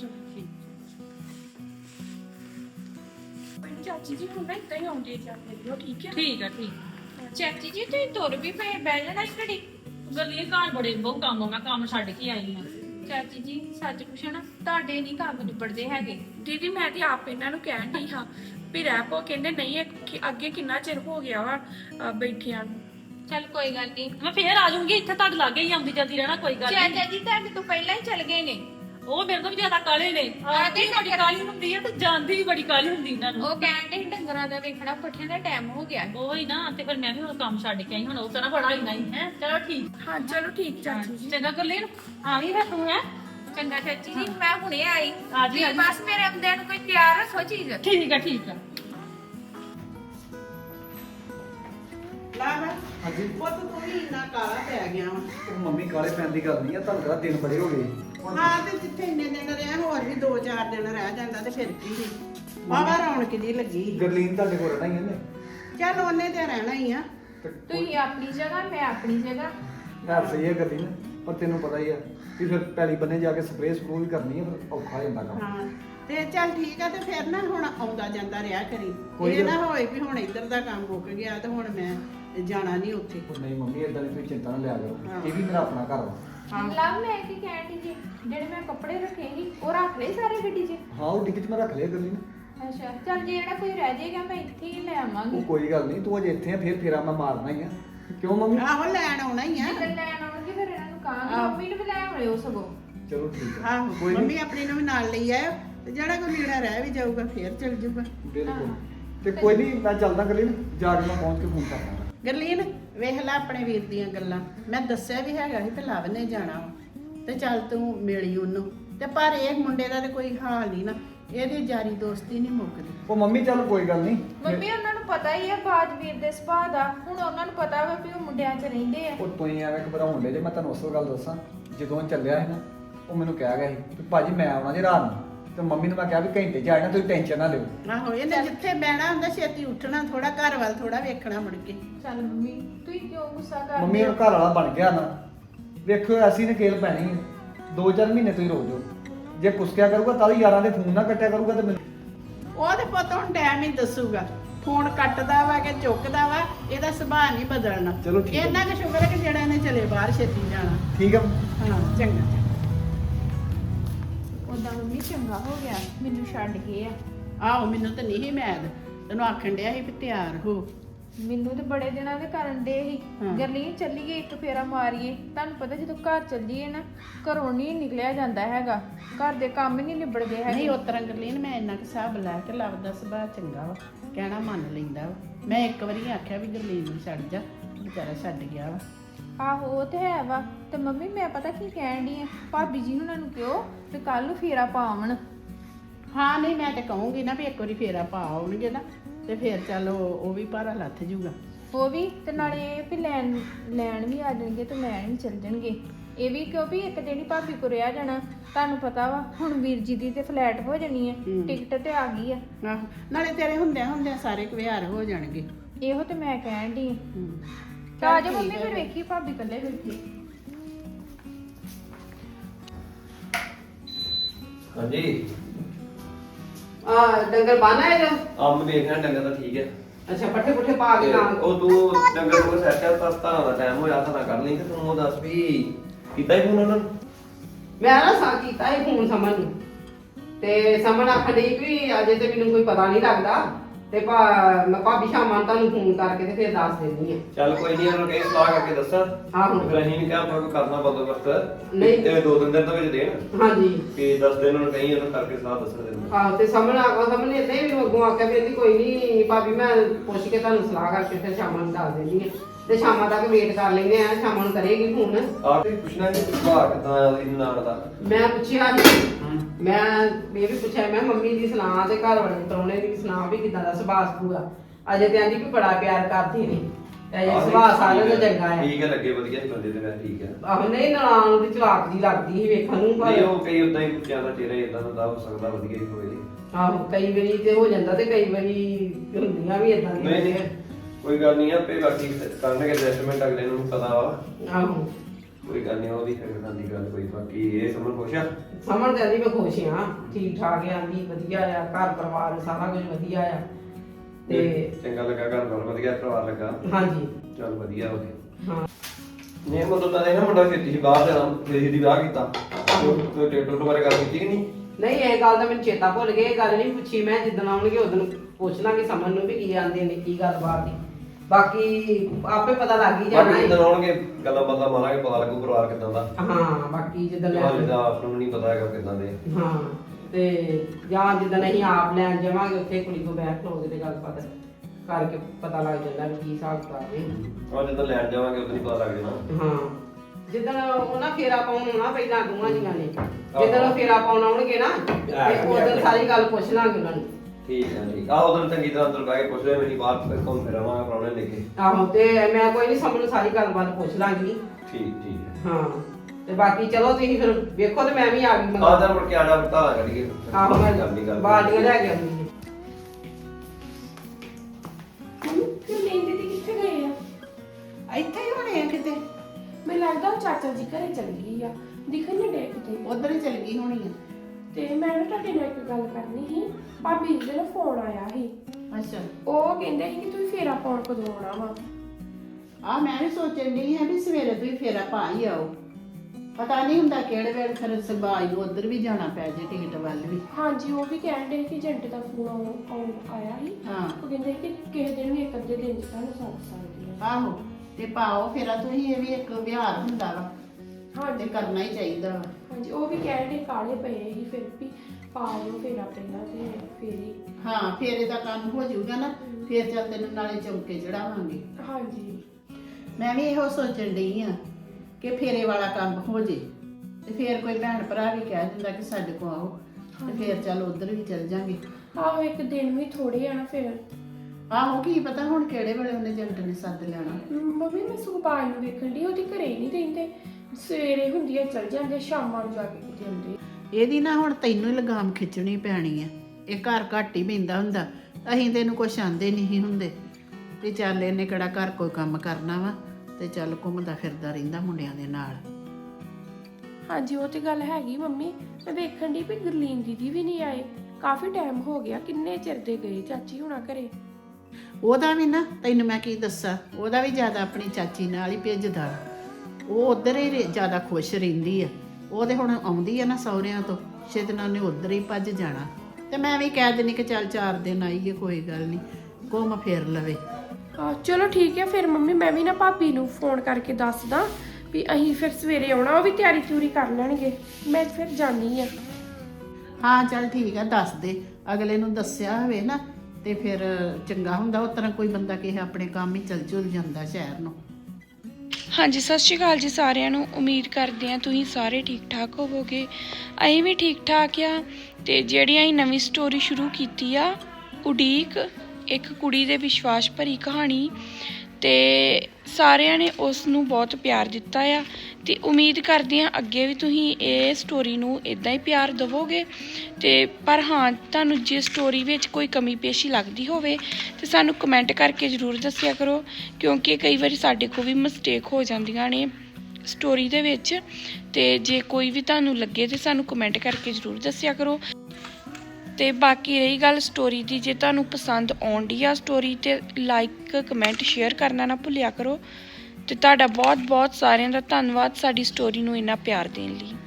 Speaker 7: ਚਾਚੀ ਜੀ ਹੁਣ ਇਦਾਂ ਹੀ ਆਉਂਦੇ ਜਾਂਦੇ ਹੋ, ਠੀਕ ਹੈ?
Speaker 6: ਠੀਕ ਆ ਠੀਕ।
Speaker 7: ਚਾਚੀ ਜੀ ਤੁਸੀਂ ਤੁਰ ਵੀ ਪਏ, ਬਹਿ ਜਾਣਾ ਇੱਕ ਘੜੀ।
Speaker 6: ਗੁਰਲੀਨ ਘਰ ਬੜੇ ਬਹੁਤ ਕੰਮ ਆ, ਮੈਂ ਕੰਮ ਛੱਡ ਕੇ ਆਈ ਹਾਂ।
Speaker 7: ਚਾਚੀ ਜੀ ਸੱਚ ਪੁੱਛਣਾ, ਤੁਹਾਡੇ ਨਹੀਂ ਕੰਮ ਨਿਬੜਦੇ ਹੈਗੇ। ਦੀਦੀ ਮੈਂ ਤੇ ਆਪ ਇਹਨਾਂ ਨੂੰ ਕਹਿਣ ਦੀ ਹਾਂ ਵੀ ਰਹਿ ਪੋ, ਕਹਿੰਦੇ ਨਹੀਂ ਇਹ ਅੱਗੇ ਕਿੰਨਾ ਚਿਰ ਹੋ ਗਿਆ ਵਾ ਅਹ ਬੈਠਿਆਂ ਨੂੰ। ਚੱਲ ਕੋਈ ਗੱਲ ਨਹੀਂ,
Speaker 6: ਮੈਂ ਫੇਰ ਆ ਜਾਊਂਗੀ, ਇੱਥੇ ਤੁਹਾਡੇ ਲਾਗੇ ਹੀ ਆਉਂਦੀ ਜਾਂਦੀ ਰਹਿਣਾ, ਕੋਈ ਗੱਲ ਨਹੀਂ।
Speaker 7: ਚਾਚਾ ਜੀ ਤੁਹਾਡੇ ਤੋਂ ਪਹਿਲਾਂ ਹੀ ਚਲ ਗਏ ਨੇ।
Speaker 6: ਉਹ ਮੇਰੇ ਤੋਂ ਵੀ ਜ਼ਿਆਦਾ ਕਾਲੇ ਨੇ, ਆਦੀ ਬੜੀ ਕਾਲੀ ਹੁੰਦੀ ਹੈ ਤੇ ਜਾਂਦੀ ਵੀ ਬੜੀ ਕਾਲੀ ਹੁੰਦੀ ਇਹਨਾਂ ਨੂੰ।
Speaker 7: ਉਹ ਕਹਿੰਦੇ ਡੰਗਰਾਂ ਦਾ ਵੇਖਣਾ, ਪੱਠਿਆਂ ਦਾ ਟਾਈਮ ਹੋ ਗਿਆ।
Speaker 6: ਉਹ ਹੀ ਨਾ, ਤੇ ਫਿਰ ਮੈਂ ਵੀ ਹੁਣ ਕੰਮ ਛੱਡ ਕੇ ਆਈ, ਹੁਣ ਉਹ ਕਹਿੰਦਾ ਬੜਾ ਇੰਨਾ ਹੀ ਹੈ। ਚਲੋ ਠੀਕ।
Speaker 7: ਹਾਂ ਚਲੋ ਠੀਕ ਚਾਚੀ ਜੀ।
Speaker 6: ਚੰਗਾ ਗੁਰਲੀਨ, ਆ ਗਈ ਫਿਰ ਤੂੰ? ਹੈ
Speaker 7: ਚੰਗਾ ਚਾਚੀ ਜੀ, ਮੈਂ ਹੁਣੇ ਆਈ।
Speaker 6: ਆ ਜੀ, ਆ ਜੀ।
Speaker 7: ਬਸ ਮੇਰੇ ਆਉਂਦਿਆਂ ਨੂੰ ਕੋਈ ਤਿਆਰ ਰੱਖੋ ਚੀਜ਼।
Speaker 6: ਠੀਕ ਆ ਠੀਕ ਆ।
Speaker 5: ਲਾ ਵਾ
Speaker 3: ਹਾਂਜੀ।
Speaker 5: ਪੁੱਤ ਤੂੰ ਵੀ ਇੰਨਾ ਕਾਲਾ ਪੈ ਗਿਆ ਵਾ।
Speaker 3: ਉਹ ਮੰਮੀ ਕਾਲੇ ਪੈਣ ਦੀ ਗੱਲ ਨਹੀਂ ਆ, ਤੁਹਾਨੂੰ ਪਤਾ ਦਿਨ ਬੜੇ ਹੋ ਗਏ।
Speaker 5: ਹਾਂ ਤੇ ਜਿੱਥੇ ਇੰਨੇ ਦਿਨ ਰਿਹਾ, ਹੋਰ ਵੀ ਦੋ ਚਾਰ ਦਿਨ ਰਹਿ ਜਾਂਦਾ ਤੇ ਫਿਰ ਕੀ ਸੀ, ਵਾਹਵਾ ਰੌਣਕ ਜੀ ਲੱਗੀ।
Speaker 3: ਗਰਲੀਨ ਤੁਹਾਡੇ ਕੋਲ ਰਹਿਣਾ ਹੀ ਇਹਨੇ।
Speaker 5: ਚੱਲ ਉਹਨੇ ਤੇ ਰਹਿਣਾ ਹੀ ਆ।
Speaker 3: ਤੇ
Speaker 7: ਤੁਸੀਂ ਆਪਣੀ ਜਗ੍ਹਾ, ਮੈਂ ਆਪਣੀ ਜਗ੍ਹਾ।
Speaker 3: ਹੈ ਸਹੀ ਹੈ ਗਰਲੀਨ, ਪਰ ਤੈਨੂੰ ਪਤਾ ਹੀ ਆ ਕਿ ਫਿਰ ਪੈਲੀ ਬੰਨੇ ਜਾ ਕੇ ਸਪਰੇਅ ਸਪਰੂ ਵੀ ਕਰਨੀ ਹੈ, ਫਿਰ ਔਖਾ ਹੋ ਜਾਂਦਾ ਕੰਮ।
Speaker 5: ਹਾਂ ਤੇ ਚੱਲ ਠੀਕ ਆ, ਤੇ ਫਿਰ ਨਾ ਹੁਣ ਆਉਂਦਾ ਜਾਂਦਾ ਰਿਹਾ ਕਰੀ,
Speaker 3: ਕੋਈ
Speaker 5: ਇਹ ਨਾ
Speaker 3: ਗੱਲ-
Speaker 5: ਹੋਏ ਵੀ ਹੁਣ ਇੱਧਰ ਦਾ ਕੰਮ ਮੁੱਕ ਗਿਆ ਤੇ ਹੁਣ ਮੈਂ ਜਾਣਾ ਨਹੀਂ ਉੱਥੇ।
Speaker 3: ਉਹ ਨਹੀਂ ਮੰਮੀ, ਏਦਾਂ ਦੀ ਕੋਈ ਚਿੰਤਾ ਨਾ ਲਿਆ ਕਰੋ,
Speaker 5: ਹਾਂ।
Speaker 3: ਇਹ ਵੀ ਮੇਰਾ ਆਪਣਾ ਘਰ ਵਾ।
Speaker 7: ਲਵ ਮੈਂ ਕੀ ਕਹਿਣ ਦੀ ਜੀ, ਜਿਹੜੇ ਮੈਂ ਕੱਪੜੇ ਰੱਖੇ ਸੀ ਉਹ ਰੱਖ ਲਏ ਸਾਰੇ ਗੱਡੀ 'ਚ?
Speaker 3: ਹਾਂ ਉਹ ਡਿੱਗੀ 'ਚ ਮੈਂ ਰੱਖ ਲਿਆ ਗਰਲੀਨ।
Speaker 7: ਅੱਛਾ ਚੱਲ, ਜੇ ਜਿਹੜਾ ਕੋਈ ਰਹਿ ਜਾਏਗਾ ਮੈਂ ਇੱਥੇ ਹੀ ਲੈ ਆਵਾਂਗੀ।
Speaker 3: ਉਹ ਕੋਈ ਗੱਲ ਨਹੀਂ, ਤੂੰ ਅਜੇ ਇੱਥੇ ਆ, ਫਿਰ ਫੇਰਾ ਮੈਂ ਮਾਰਨਾ ਹੀ ਆ। ਕਿਉਂ ਮੰਮੀ?
Speaker 5: ਆਹੋ ਲੈਣ ਆਉਣਾ ਹੀ ਆ।
Speaker 7: ਜਦੋਂ ਲੈਣ ਆਉਣਗੇ ਫਿਰ ਇਹਨਾਂ ਨੂੰ ਕਹਾਂਗੀ,
Speaker 5: ਆਹੋ।
Speaker 7: ਮੰਮੀ ਨੂੰ ਵੀ ਲੈ ਆਉਣਿਓ ਸਗੋਂ।
Speaker 3: ਚਲੋ ਠੀਕ ਆ।
Speaker 5: ਆਹੋ
Speaker 3: ਕੋਈ
Speaker 5: ਮੰਮੀ
Speaker 3: ਨਹੀਂ,
Speaker 5: ਆਪਣੀ ਨੂੰ ਵੀ ਨਾਲ ਲਈ ਆਇਓ, ਤੇ ਜਿਹੜਾ ਕੋਈ ਲੀੜਾ ਰਹਿ ਵੀ ਜਾਊਗਾ ਫਿਰ ਚੱਲ ਜਾਊਗਾ।
Speaker 3: ਬਿਲਕੁਲ। ਤੇ ਕੋਈ ਨਹੀਂ, ਮੈਂ ਚੱਲਦਾ ਗਰਲੀਨ, ਜਾ ਕੇ ਮੈਂ ਪਹੁੰਚ ਕੇ ਫੋਨ ਕਰਦਾ।
Speaker 5: ਗਰਲੀਨ ਵੇਖ ਲੈ ਆਪਣੇ ਵੀਰ ਦੀਆਂ ਗੱਲਾਂ, ਮੈਂ ਦੱਸਿਆ ਵੀ ਹੈਗਾ ਸੀ ਕਿ ਲਵ ਨੇ ਜਾਣਾ ਵਾ, ਤੇ ਚੱਲ ਤੂੰ ਮਿਲੀ ਉਹਨੂੰ, ਤੇ ਪਰ ਇਹ ਮੁੰਡੇ ਦਾ ਤੇ ਕੋਈ ਹਾਲ ਨਹੀਂ ਨਾ, ਇਹਦੀ ਯਾਰੀ ਦੋਸਤੀ ਨਹੀਂ ਮੁੱਕਦੀ।
Speaker 3: ਉਹ ਮੰਮੀ ਚੱਲ ਕੋਈ ਗੱਲ ਨਹੀਂ।
Speaker 7: ਮੰਮੀ ਉਹਨਾਂ ਨੂੰ ਪਤਾ ਹੀ ਹੈ ਬਾਜਵੀਰ ਦੇ ਸੁਭਾਅ ਦਾ, ਹੁਣ ਉਹਨਾਂ ਨੂੰ ਪਤਾ ਵਾ ਵੀ ਉਹ ਮੁੰਡਿਆਂ 'ਚ ਰਹਿੰਦੇ ਆ।
Speaker 3: ਉਹ ਤੁਸੀਂ ਐਵੇਂ ਘਬਰਾਉਣ ਦੇ ਜੇ, ਮੈਂ ਤੁਹਾਨੂੰ ਉਸ ਗੱਲ ਦੱਸਾਂ, ਜਦੋਂ ਚੱਲਿਆ ਸੀ ਨਾ, ਉਹ ਮੈਨੂੰ ਕਹਿ ਗਿਆ ਸੀ ਕਿ ਭਾਜੀ ਮੈਂ ਆਉਣਾ ਜੇ ਰਾਤ ਨੂੰ, ਤੇ ਮੰਮੀ ਨੂੰ ਮੈਂ ਕਿਹਾ ਵੀ ਘੰਟੇ 'ਚ ਆ ਜਾਣਾ, ਤੁਸੀਂ ਟੈਨਸ਼ਨ ਨਾ ਲਿਓ।
Speaker 5: ਆਹੋ ਇਹਨੇ ਜਿੱਥੇ ਬਹਿਣਾ ਹੁੰਦਾ ਛੇਤੀ ਉੱਠਣਾ, ਥੋੜਾ ਘਰ ਵੱਲ ਥੋੜਾ ਵੇਖਣਾ ਮੁੜ ਕੇ।
Speaker 7: ਚੱਲ ਮੰਮੀ ਤੁਸੀਂ ਕਿਉਂ ਗੁੱਸਾ ਕਰਦੇ
Speaker 3: ਮੰਮੀ ਉਹ ਘਰ ਵਾਲਾ ਬਣ ਗਿਆ ਨਾ, ਵੇਖਿਓ ਐਸੀ ਨਕੇਲ ਪੈਣੀ ਹੈ। ਦੋ ਚਾਰ ਮਹੀਨੇ ਤੁਸੀਂ ਰੋ ਜਾਓ, ਜੇ ਕੁਸਕਿਆ ਕਰੂਗਾ ਤਾਂ ਹੀ ਯਾਰਾਂ ਦੇ ਫੋਨ ਨਾ ਕੱਟਿਆ ਕਰੂਗਾ, ਤੇ ਮੈਨੂੰ
Speaker 5: ਉਹ ਤੇ ਪੁੱਤ ਹੁਣ ਟਾਈਮ ਹੀ ਦੱਸੂਗਾ, ਫੋਨ ਕੱਟਦਾ ਵਾ ਕਿ ਚੁੱਕਦਾ ਵਾ, ਇਹਦਾ ਸੁਭਾਅ ਨਹੀਂ ਬਦਲਣਾ।
Speaker 3: ਚਲੋ ਠੀਕ ਹੈ।
Speaker 5: ਇੰਨਾ ਕੁ ਸ਼ੁਕਰ ਹੈ ਕਿ ਜਿਹੜਾ ਇਹਨੇ ਚਲੇ ਬਾਹਰ ਛੇਤੀ ਜਾਣਾ।
Speaker 3: ਠੀਕ ਆ।
Speaker 5: ਹਾਂ ਚੰਗਾ।
Speaker 7: ਉਦਾਂ ਮੰਮੀ ਚੰਗਾ ਹੋ ਗਿਆ ਮੈਨੂੰ ਛੱਡ ਗਏ ਆ।
Speaker 5: ਆਹੋ ਮੈਨੂੰ ਤਾਂ ਨਹੀਂ ਮੈਦ, ਤੈਨੂੰ ਆਖਣ ਡਿਆ ਸੀ ਵੀ ਤਿਆਰ ਹੋ।
Speaker 7: ਮੈਨੂੰ ਤੇ ਬੜੇ ਦਿਨਾਂ ਦੇ ਕਰਨ ਦੇ ਸੀ
Speaker 5: ਹਾਂ।
Speaker 7: ਗਰਲੀਨ ਚੱਲੀਏ ਇੱਕ ਫੇਰਾ ਮਾਰੀਏ। ਤੁਹਾਨੂੰ ਪਤਾ ਜਦੋਂ ਘਰ ਚੱਲੀਏ ਨਾ, ਘਰੋਂ ਨਹੀਂ ਨਿਕਲਿਆ ਜਾਂਦਾ ਹੈਗਾ, ਘਰ ਦੇ ਕੰਮ ਹੀ ਨਹੀਂ ਨਿਬੜਦੇ ਹੈਗੇ।
Speaker 5: ਨਹੀਂ ਉਸ ਤਰ੍ਹਾਂ ਗਰਲੀਨ ਮੈਂ ਇੰਨਾ ਕੁ ਹਿਸਾਬ ਲੈ ਕੇ ਲੱਭਦਾ ਸੁਭਾਅ ਚੰਗਾ ਵਾ, ਕਹਿਣਾ ਮੰਨ ਲੈਂਦਾ ਵਾ। ਮੈਂ ਇੱਕ ਵਾਰੀ ਆਖਿਆ ਵੀ ਗਰਲੀਨ ਨੂੰ ਛੱਡ ਜਾ, ਵਿਚਾਰਾ ਛੱਡ ਗਿਆ ਵਾ।
Speaker 7: ਆਹੋ ਉਹ ਤੇ ਹੈ ਵਾ। ਤੇ ਮੰਮੀ ਮੈਂ ਪਤਾ ਕੀ ਕਹਿਣ ਦੀ ਆ, ਭਾਬੀ ਜੀ ਉਹਨਾਂ ਨੂੰ ਕਿਹਾ ਤੇ ਕੱਲ ਨੂੰ ਫੇਰਾ ਪਾਵਣ।
Speaker 5: ਹਾਂ ਨਹੀਂ ਮੈਂ ਤੇ ਕਹੂੰਗੀ ਨਾ ਵੀ ਇੱਕ ਵਾਰੀ ਫੇਰਾ ਪਾ ਆਉਣਗੇ ਨਾ, ਤੇ ਫੇਰ ਚੱਲ ਉਹ ਉਹ ਵੀ ਭਾਰਾ ਲੱਥ ਜੂਗਾ।
Speaker 4: ਉਹ ਵੀ ਤੇ ਨਾਲੇ ਇਹ ਵੀ ਲੈਣ ਲੈਣ ਵੀ ਆ ਜਾਣਗੇ ਤੇ ਲੈਣ ਵੀ ਚੱਲ ਜਾਣਗੇ। ਇਹ ਵੀ ਕਿਉਂਕਿ ਇੱਕ ਜਿਹੜੀ ਭਾਬੀ ਕੋ ਰਿਆ ਜਾਣਾ, ਤੁਹਾਨੂੰ ਪਤਾ ਵਾ ਹੁਣ ਵੀਰ ਜੀ ਦੀ ਤੇ ਫਲੈਟ ਹੋ ਜਾਣੀ ਆ, ਟਿਕਟ ਤੇ ਆ ਗਈ ਆ।
Speaker 5: ਆਹੋ ਨਾਲੇ ਤੇਰੇ ਹੁੰਦਿਆਂ ਹੁੰਦਿਆਂ ਸਾਰੇ ਵਿਹਾਰ ਹੋ ਜਾਣਗੇ।
Speaker 4: ਇਹੋ ਤੇ ਮੈਂ ਕਹਿਣ ਦੀ
Speaker 5: ਹੂੰ
Speaker 4: ਤਾਂ ਆ ਜਾ ਮੰਮੀ, ਫਿਰ ਵੇਖੀ ਭਾਬੀ ਇਕੱਲੇ ਬੈਠੀ।
Speaker 2: ਹਾਂਜੀ
Speaker 1: ਆ ਡੰਗਰ ਬਾਨਾ ਹੈ ਜੋ
Speaker 2: ਆਮ ਵੇਖਣਾ ਡੰਗਰ ਤਾਂ ਠੀਕ ਹੈ।
Speaker 1: ਅੱਛਾ ਪੱਠੇ ਪੁੱਠੇ ਪਾ ਕੇ
Speaker 2: ਤੇ
Speaker 1: ਨਾਲ
Speaker 2: ਉਹ ਤੂੰ ਡੰਗਰ ਕੋਲ ਸੈੱਟ ਆ ਤਾਂ ਧਾਰਾਂ ਦਾ ਟਾਈਮ ਹੋਇਆ ਤਾਂ ਕਰ ਲਈ ਤੇ ਤੂੰ ਉਹ ਦੱਸ ਵੀ ਕੀਤਾ ਹੀ ਫੋਨ ਉਹਨਾਂ ਨੂੰ।
Speaker 1: ਮੈਂ ਨਾ ਸਾ ਕੀਤਾ ਇਹ ਫੋਨ ਸਮਨ ਨੂੰ ਤੇ ਸਮਨ ਆਖਣ ਡਈ ਵੀ ਅਜੇ ਤੇ ਮੈਨੂੰ ਕੋਈ ਪਤਾ ਨਹੀਂ ਲੱਗਦਾ ਤੇ ਭਾ ਮੈਂ ਭਾਬੀ ਸ਼ਾਮਾਂ ਨੂੰ ਤੁਹਾਨੂੰ ਫੋਨ ਕਰਕੇ ਤੇ ਫਿਰ ਦੱਸ ਦਿੰਦੀ ਆ।
Speaker 2: ਚੱਲ ਕੋਈ ਨਹੀਂ ਉਹਨਾਂ ਨੂੰ ਕਹੀ ਸਲਾਹ ਕਰਕੇ ਦੱਸਾਂ।
Speaker 1: ਆਹੋ।
Speaker 2: ਫਿਰ ਅਸੀਂ ਨਹੀਂ ਕਿਹਾ ਆਪਾਂ ਕੋਈ ਕਰਨਾ ਬੰਦੋਬਸਤ
Speaker 1: ਨਹੀਂ।
Speaker 2: ਤੇ ਦੋ ਤਿੰਨ ਦਿਨ ਤੋਂ ਵਿੱਚ ਦੇਣ
Speaker 1: ਹਾਂਜੀ
Speaker 2: ਕਿ ਦਸ ਦਿਨ ਉਹਨਾਂ ਨੂੰ ਕਹੀ ਉਹਨਾਂ ਕਰਕੇ ਸਲਾਹ ਦੱਸਣ ਦੇਣ।
Speaker 1: ਆਹੋ ਤੇ ਸਮਨ ਆਖੋ ਸਮਨ ਨੇ ਏਦਾਂ ਹੀ ਮੈਨੂੰ ਅੱਗੋਂ ਆਖਿਆ ਵੀ ਇਹਦੀ ਕੋਈ ਨਹੀਂ ਭਾਬੀ ਮੈਂ ਪੁੱਛ ਕੇ ਤੁਹਾਨੂੰ ਸਲਾਹ ਕਰਕੇ ਫਿਰ ਸ਼ਾਮਾਂ ਨੂੰ ਦੱਸ ਦਿੰਦੀ ਆ ਤੇ ਸ਼ਾਮਾਂ ਤੱਕ ਵੇਟ ਕਰ ਲੈਂਦੇ ਆ, ਸ਼ਾਮਾਂ ਨੂੰ ਕਰੇਗੀ ਫੋਨ।
Speaker 2: ਆ ਕੇ ਪੁੱਛਣਾ ਕਿ ਸੁਭਾਅ ਕਿਦਾਂ ਉਹਦੀ ਨਾਲ ਦਾ।
Speaker 1: ਮੈਂ ਪੁੱਛਿਆ ਜੀ ਮੈਂ ਇਹ ਵੀ ਪੁੱਛਿਆ ਮੈਂ ਮੰਮੀ ਦੀ ਸੁਣਾ ਤੇ ਘਰ ਵਾਲੇ ਪ੍ਰਾਹੁਣੇ ਦੀ ਸੁਣਾ ਵੀ ਕਿਦਾਂ ਦਾ ਸੁਭਾਅ ਸੁਭੂਆ। ਅਜੇ ਤੇ ਆਂਦੀ ਵੀ ਬੜਾ ਪਿਆਰ ਕਰਦੀ ਨੇ ਅਜੇ ਸੁਭਾਅ ਸਾਰਿਆਂ ਦਾ ਚੰਗਾ ਹੈ।
Speaker 2: ਠੀਕ ਹੈ ਲੱਗੇ ਵਧੀਆ ਸੀ ਬੰਦੇ ਤੇ ਮੈਂ ਠੀਕ ਹੈ।
Speaker 1: ਆਹੋ ਨਹੀਂ ਨਨਾਣ ਉਹਦੀ ਚਲਾਕ ਜੀ ਲੱਗਦੀ ਸੀ ਵੇਖਣ ਨੂੰ
Speaker 2: ਨਹੀਂ
Speaker 1: ਪਰ
Speaker 2: ਉਹ ਕਈ ਉਦਾਂ ਹੀ ਪੁੱਛਿਆ ਦਾ ਚਿਹਰਾ ਇਦਾਂ ਦਾ ਹੋ ਸਕਦਾ ਵਧੀਆ ਹੀ ਹੋਵੇ।
Speaker 1: ਆਹੋ ਕਈ ਵਾਰੀ ਤੇ ਹੋ ਜਾਂਦਾ ਤੇ ਕਈ ਵਾਰੀ ਹੁੰਦੀਆਂ ਵੀ ਇਦਾਂ
Speaker 2: ਨਹੀਂ ਨਹੀਂ ਕੋਈ ਗੱਲ ਨਹੀਂ ਆਪੇ ਬਾਕੀ ਕਰਨਗੇ ਐਡਜਸਟਮੈਂਟ ਅਗਲੇ ਨੂੰ ਪਤਾ ਵਾ।
Speaker 1: ਆਹੋ
Speaker 2: ਕੋਈ ਗੱਲ ਨਹੀਂ ਉਹਦੀ ਫਿਕਰਾਂ ਦੀ ਗੱਲ ਕੋਈ ਬਾਕੀ ਇਹ ਸਮਝ ਪੁੱਛਿਆ
Speaker 1: ਸਮਝ ਤੇ ਆਂਦੀ ਮੈਂ ਖੁਸ਼ ਹਾਂ ਠੀਕ ਠਾਕ ਆ ਆਂਦੀ ਵਧੀਆ ਆ ਘਰ ਪਰਿਵਾਰ ਸਾਰਾ ਕੁਝ ਵਧੀਆ ਆ ਤੇ
Speaker 2: ਚੰਗਾ ਲੱਗਾ ਘਰ ਬਾਰ ਵਧੀਆ ਪਰਿਵਾਰ ਲੱਗਾ।
Speaker 1: ਹਾਂਜੀ
Speaker 2: ਚੱਲ ਵਧੀਆ ਹੋ ਗਿਆ।
Speaker 1: ਹਾਂ
Speaker 2: ਨਹੀਂ ਮਤਲਬ ਤਾਂ ਇਹ ਨਾ ਮੁੰਡਾ ਛੇਤੀ ਸੀ ਬਾਹਰ ਜਾਣਾ ਫੇਰ ਦੀ ਵਿਆਹ ਕੀਤਾ ਕੋਈ ਟੇਟੂ ਬਾਰੇ ਗੱਲ ਕੀਤੀ ਕਿ ਨਹੀਂ।
Speaker 1: ਨਹੀਂ ਇਹ ਗੱਲ ਤਾਂ ਮੈਨੂੰ ਚੇਤਾ ਭੁੱਲ ਗਈ, ਇਹ ਗੱਲ ਨਹੀਂ ਪੁੱਛੀ ਮੈਂ ਜਿੱਦਣ ਆਉਣਗੇ ਉਦੋਂ ਪੁੱਛ ਲਾਂਗੇ ਸਮਝ ਨੂੰ ਵੀ ਕੀ ਆਂਦੇ ਨੇ ਕੀ ਗੱਲਬਾਤ ਦੀ। ਬਾਕੀ ਆਪੇ ਪਤਾ ਲੱਗ ਹੀ ਜਾਣਾ
Speaker 2: ਬਾਕੀ
Speaker 1: ਹੈ।
Speaker 2: ਜਦੋਂ ਆਉਣਗੇ ਗੱਲਾਂ ਬਾਤਾਂ ਮਾਰਾਂਗੇ ਪਤਾ ਲੱਗੂ ਪਰਿਵਾਰ ਕਿਦਾਂ ਦਾ।
Speaker 1: ਹਾਂ ਬਾਕੀ ਜਿੱਦਣ
Speaker 2: ਹਾਲੇ
Speaker 1: ਲੈ
Speaker 2: ਤਾਂ ਆਪ ਨੂੰ ਨਹੀਂ ਪਤਾ ਹੈਗਾ ਕਿਦਾਂ ਦੇ।
Speaker 1: ਹਾਂ ਤੇ ਜਾਂ ਜਿੱਦਣ ਅਸੀਂ ਆਪ ਲੈਣ ਜਾਵਾਂਗੇ ਉੱਥੇ ਕੁੜੀ ਕੋ ਬੈਠ ਲਓਗੇ ਤੇ ਗੱਲਬਾਤ ਕਰਕੇ ਪਤਾ ਲੱਗ ਜਾਂਦਾ ਵੀ ਕੀ ਹਿਸਾਬ ਕਿਤਾਬ ਹੈ।
Speaker 2: ਉਹ ਜਦੋਂ ਲੈਣ ਜਾਵਾਂਗੇ ਉਦੋਂ ਹੀ ਪਤਾ ਲੱਗ ਜਾਣਾ।
Speaker 1: ਹਾਂ ਜਿੱਦਣ ਉਹਨਾਂ ਫੇਰਾ ਪਾਉਣ ਆਉਣਾ ਪਹਿਲਾਂ ਦੋਵਾਂ ਜੀਆਂ ਨੇ ਜਿੱਦਣ ਉਹ ਫੇਰਾ ਪਾਉਣ ਆਉਣਗੇ ਨਾ ਤੇ ਉਦੋਂ ਸਾਰੀ ਗੱਲ ਪੁੱਛ ਲਾਂਗੇ ਉਹਨਾਂ ਨੂੰ।
Speaker 2: ਠੀਕ ਹੈ ਠੀਕ ਆ ਉਦੋਂ ਚੰਗੀ ਤਰ੍ਹਾਂ ਅੰਦਰ ਬਹਿ ਕੇ ਪੁੱਛ ਲਿਆ ਮੇਰੀ ਬਾਤ ਘੁੰਮ ਫਿਰ ਆਵਾਂਗਾ ਪ੍ਰਾਹੁਣੇ ਲੈ ਕੇ।
Speaker 1: ਆਹੋ ਤੇ ਮੈਂ ਕੋਈ ਨਹੀਂ ਸਮਝ ਨੂੰ ਸਾਰੀ ਗੱਲਬਾਤ ਪੁੱਛ ਲਾਂਗੀ।
Speaker 2: ਠੀਕ ਠੀਕ ਹੈ।
Speaker 1: ਹਾਂ ਤੇ ਬਾਕੀ ਚਲੋ ਤੁਸੀਂ ਫਿਰ ਵੇਖੋ ਤੇ ਮੈਂ ਵੀ ਆ ਗਈ
Speaker 2: ਆ ਜਾ ਮੁੜ ਕੇ ਆਣਾ ਧਾਰਾ ਕਰੀਏ।
Speaker 1: ਆਹੋ ਮੈਂ
Speaker 2: ਕਰਨੀ ਗੱਲ
Speaker 1: ਬਾਲਟੀਆਂ ਲੈ ਕੇ ਆਉਂਦੀ ਹਾਂ।
Speaker 7: ਫਿਰ ਲੈਂਦੇ ਤੇ ਕਿੱਥੇ ਗਏ ਆ?
Speaker 5: ਇੱਥੇ ਹੀ ਹੋਣੇ ਆ ਕਿਤੇ,
Speaker 7: ਮੈਨੂੰ ਲੱਗਦਾ ਉਹ ਚਾਚਾ ਜੀ ਘਰੇ ਚਲ ਗਈ ਆ, ਦਿਖਣ ਨਹੀਂ ਡੇ ਕਿਤੇ।
Speaker 5: ਉਧਰ ਹੀ ਚਲ ਗਈ ਹੋਣੀ ਆ।
Speaker 7: ਤੇ ਮੈਂ ਨਾ ਤੁਹਾਡੇ ਨਾਲ ਇੱਕ ਗੱਲ ਕਰਨੀ ਸੀ। ਭਾਬੀ ਜੀ ਦਾ ਫੋਨ ਆਇਆ ਸੀ,
Speaker 5: ਅੱਛਾ
Speaker 7: ਉਹ ਕਹਿੰਦੇ ਸੀ ਕਿ ਤੁਸੀਂ ਫੇਰਾ ਪਾਉਣ ਕਦੋਂ ਆਉਣਾ ਵਾ।
Speaker 5: ਆ ਮੈਂ ਵੀ ਸੋਚਣ ਡਈ ਆ ਵੀ ਸਵੇਰੇ ਤੁਸੀਂ ਫੇਰਾ ਪਾ ਹੀ ਆਓ। ਪਤਾ ਨਹੀਂ ਹੁੰਦਾ ਕਿਹੜੇ ਵੇਲੇ ਫਿਰ ਸਬਾਈ ਨੂੰ ਉਧਰ ਵੀ ਜਾਣਾ ਪੈ ਜੇ ਟਿਕਟ ਵੱਲ ਵੀ।
Speaker 7: ਹਾਂਜੀ ਉਹ ਵੀ ਕਹਿਣ ਡੇ ਕਿ ਏਜੰਟ ਦਾ ਫੋਨ ਆਉਂ ਆਇਆ ਸੀ।
Speaker 5: ਹਾਂ
Speaker 7: ਉਹ ਕਹਿੰਦੇ ਕਿ ਕਿਸੇ ਦਿਨ ਵੀ ਇੱਕ ਅੱਧੇ ਦਿਨ ਚ ਤੁਹਾਨੂੰ ਸੱਦ ਸਕਦੇ ਆ।
Speaker 5: ਆਹੋ ਤੇ ਪਾਓ ਫੇਰਾ ਤੁਸੀਂ, ਇਹ ਵੀ ਇੱਕ ਵਿਹਾਰ ਹੁੰਦਾ ਵਾ
Speaker 7: ਹਾਂਜੀ
Speaker 5: ਤੇ ਕਰਨਾ ਹੀ ਚਾਹੀਦਾ ਵਾ।
Speaker 7: ਹਾਂਜੀ ਉਹ ਵੀ ਕਹਿਣ ਡੇ ਕਾਲੇ ਪਏ ਸੀ, ਫਿਰ ਵੀ ਪਾ ਲਿਓ ਫੇਰਾ ਪਹਿਲਾਂ ਤੇ ਫੇਰ ਹੀ।
Speaker 5: ਹਾਂ ਫੇਰੇ ਦਾ ਕੰਮ ਹੋ ਜਾਊਗਾ ਨਾ, ਫੇਰ ਚੱਲ ਤੈਨੂੰ ਨਾਲੇ ਚੌਂਕੇ ਚੜਾਵਾਂਗੇ।
Speaker 7: ਹਾਂਜੀ
Speaker 5: ਮੈਂ ਵੀ ਇਹੋ ਸੋਚਣ ਡਈ ਆ ਕਿ ਫੇਰੇ ਵਾਲਾ ਕੰਮ ਹੋ ਜੇ ਤੇ ਫੇਰ ਕੋਈ ਭੈਣ ਭਰਾ ਵੀ ਕਹਿ ਦਿੰਦਾ ਕਿ ਸਾਡੇ ਕੋਲ ਆਓ ਤੇ ਫੇਰ ਚੱਲ ਉਧਰ ਵੀ ਚੱਲ ਜਾਂਗੇ।
Speaker 7: ਆਹੋ ਇੱਕ ਦਿਨ ਵੀ ਥੋੜੇ ਆ ਨਾ ਫਿਰ।
Speaker 5: ਆਹੋ ਕੀ ਪਤਾ ਹੁਣ ਕਿਹੜੇ ਵੇਲੇ ਉਹਨੇ ਏਜੰਟ ਨੇ ਸੱਦ ਲੈਣਾ।
Speaker 7: ਮੰਮੀ ਮੈਂ ਸੁਖਪਾਲ ਨੂੰ ਵੇਖਣ ਦੀ ਉਹਦੀ ਘਰੇ ਨਹੀਂ ਰਹਿੰਦੇ, ਸਵੇਰੇ ਹੁੰਦੀ ਹੈ ਚਲ ਜਾਂਦੇ, ਸ਼ਾਮਾਂ ਨੂੰ ਜਾ ਕੇ ਕਿਤੇ ਆਉਂਦੇ।
Speaker 5: ਇਹਦੀ ਨਾ ਹੁਣ ਤੈਨੂੰ ਹੀ ਲਗਾਮ ਖਿੱਚਣੀ ਪੈਣੀ ਆ। ਇਹ ਘਰ ਘੱਟ ਹੀ ਪੈਂਦਾ ਹੁੰਦਾ, ਅਸੀਂ ਤੈਨੂੰ ਕੁਛ ਆਂਦੇ ਨਹੀਂ ਹੁੰਦੇ ਤੇ ਚੱਲ ਇਹਨੇ ਕਿਹੜਾ ਘਰ ਕੋਈ ਕੰਮ ਕਰਨਾ ਵਾ ਤੇ ਚੱਲ ਘੁੰਮਦਾ ਫਿਰਦਾ ਰਹਿੰਦਾ ਮੁੰਡਿਆਂ ਦੇ ਨਾਲ।
Speaker 7: ਹਾਂਜੀ ਉਹ ਤੇ ਗੱਲ ਹੈਗੀ ਮੰਮੀ। ਮੈਂ ਵੇਖਣ ਦੀ ਵੀ ਗੁਰਲੀਨ ਦੀਦੀ ਵੀ ਨਹੀਂ ਆਏ, ਕਾਫੀ ਟਾਈਮ ਹੋ ਗਿਆ, ਕਿੰਨੇ ਚਿਰ ਦੇ ਗਏ ਚਾਚੀ ਹੁਣਾ ਘਰੇ।
Speaker 5: ਉਹਦਾ ਵੀ ਨਾ ਤੈਨੂੰ ਮੈਂ ਕੀ ਦੱਸਾਂ, ਉਹਦਾ ਵੀ ਜ਼ਿਆਦਾ ਆਪਣੀ ਚਾਚੀ ਨਾਲ ਹੀ ਭੇਜਦਾ। ਉਹ ਉਧਰ ਹੀ ਜ਼ਿਆਦਾ ਖੁਸ਼ ਰਹਿੰਦੀ ਆ। ਉਹ ਤੇ ਹੁਣ ਆਉਂਦੀ ਆ ਨਾ ਸਹੁਰਿਆਂ ਤੋਂ, ਛੇਤੀ ਨਾਲ ਉਹਨੇ ਉਧਰ ਹੀ ਭੱਜ ਜਾਣਾ। ਤੇ ਮੈਂ ਵੀ ਕਹਿ ਦਿੰਦੀ ਕਿ ਚੱਲ ਚਾਰ ਦਿਨ ਆਈਏ, ਕੋਈ ਗੱਲ ਨਹੀਂ, ਘੁੰਮ ਫੇਰ ਲਵੇ।
Speaker 7: ਆ ਚਲੋ ਠੀਕ ਹੈ ਫਿਰ ਮੰਮੀ, ਮੈਂ ਵੀ ਨਾ ਭਾਬੀ ਨੂੰ ਫੋਨ ਕਰਕੇ ਦੱਸਦਾ ਵੀ ਅਸੀਂ ਫਿਰ ਸਵੇਰੇ ਆਉਣਾ, ਉਹ ਵੀ ਤਿਆਰੀ ਤਿਊਰੀ ਕਰ ਲੈਣਗੇ। ਮੈਂ ਫਿਰ ਜਾਣੀ ਆ।
Speaker 5: ਹਾਂ ਚੱਲ ਠੀਕ ਆ, ਦੱਸ ਦੇ। ਅਗਲੇ ਨੂੰ ਦੱਸਿਆ ਹੋਵੇ ਨਾ ਤੇ ਫਿਰ ਚੰਗਾ ਹੁੰਦਾ। ਉਸ ਤਰ੍ਹਾਂ ਕੋਈ ਬੰਦਾ ਕਿਸੇ ਆਪਣੇ ਕੰਮ ਹੀ ਚਲ ਚੁਲ ਜਾਂਦਾ ਸ਼ਹਿਰ ਨੂੰ।
Speaker 7: ਹਾਂਜੀ ਸਤਿ ਸ਼੍ਰੀ ਅਕਾਲ ਜੀ ਸਾਰਿਆਂ ਨੂੰ। ਉਮੀਦ ਕਰਦੇ ਹਾਂ ਤੁਸੀਂ ਸਾਰੇ ਠੀਕ ਠਾਕ ਹੋਵੋਗੇ। ਅਸੀਂ ਵੀ ਠੀਕ ਠਾਕ ਆ। ਤੇ ਜਿਹੜੀ ਅਸੀਂ ਨਵੀਂ ਸਟੋਰੀ ਸ਼ੁਰੂ ਕੀਤੀ ਆ, ਉਡੀਕ, ਇੱਕ ਕੁੜੀ ਦੇ ਵਿਸ਼ਵਾਸ ਭਰੀ ਕਹਾਣੀ, ਤੇ ਸਾਰਿਆਂ ਨੇ ਉਸ ਨੂੰ ਬਹੁਤ ਪਿਆਰ ਦਿੱਤਾ ਆ ਤੇ ਉਮੀਦ ਕਰਦੀ ਹਾਂ ਅੱਗੇ ਵੀ ਤੁਸੀਂ ਇਹ ਸਟੋਰੀ ਨੂੰ ਇਦਾਂ ਹੀ ਪਿਆਰ ਦੇਵੋਗੇ। ਤੇ ਪਰ ਹਾਂ, ਤੁਹਾਨੂੰ ਜੇ ਸਟੋਰੀ ਵਿੱਚ ਕੋਈ ਕਮੀ ਪੇਸ਼ੀ ਲੱਗਦੀ ਹੋਵੇ ਤੇ ਸਾਨੂੰ ਕਮੈਂਟ ਕਰਕੇ ਜ਼ਰੂਰ ਦੱਸਿਆ ਕਰੋ, ਕਿਉਂਕਿ ਕਈ ਵਾਰੀ ਸਾਡੇ ਕੋਲ ਵੀ ਮਿਸਟੇਕ ਹੋ ਜਾਂਦੀਆਂ ਨੇ ਸਟੋਰੀ ਦੇ ਵਿੱਚ। ਤੇ ਜੇ ਕੋਈ ਵੀ ਤੁਹਾਨੂੰ ਲੱਗੇ ਤੇ ਸਾਨੂੰ ਕਮੈਂਟ ਕਰਕੇ ਜ਼ਰੂਰ ਦੱਸਿਆ ਕਰੋ। ਤੇ ਬਾਕੀ ਰਹੀ ਗੱਲ ਸਟੋਰੀ ਦੀ, ਜੇ ਤੁਹਾਨੂੰ ਪਸੰਦ ਆਉਂਦੀ ਆ ਸਟੋਰੀ ਤੇ ਲਾਈਕ ਕਮੈਂਟ ਸ਼ੇਅਰ ਕਰਨਾ ਨਾ ਭੁੱਲਿਆ ਕਰੋ। ਤੇ ਤੁਹਾਡਾ ਬਹੁਤ ਬਹੁਤ ਸਾਰਿਆਂ ਦਾ ਧੰਨਵਾਦ ਸਾਡੀ ਸਟੋਰੀ ਨੂੰ ਇੰਨਾ ਪਿਆਰ ਦੇਣ ਲਈ।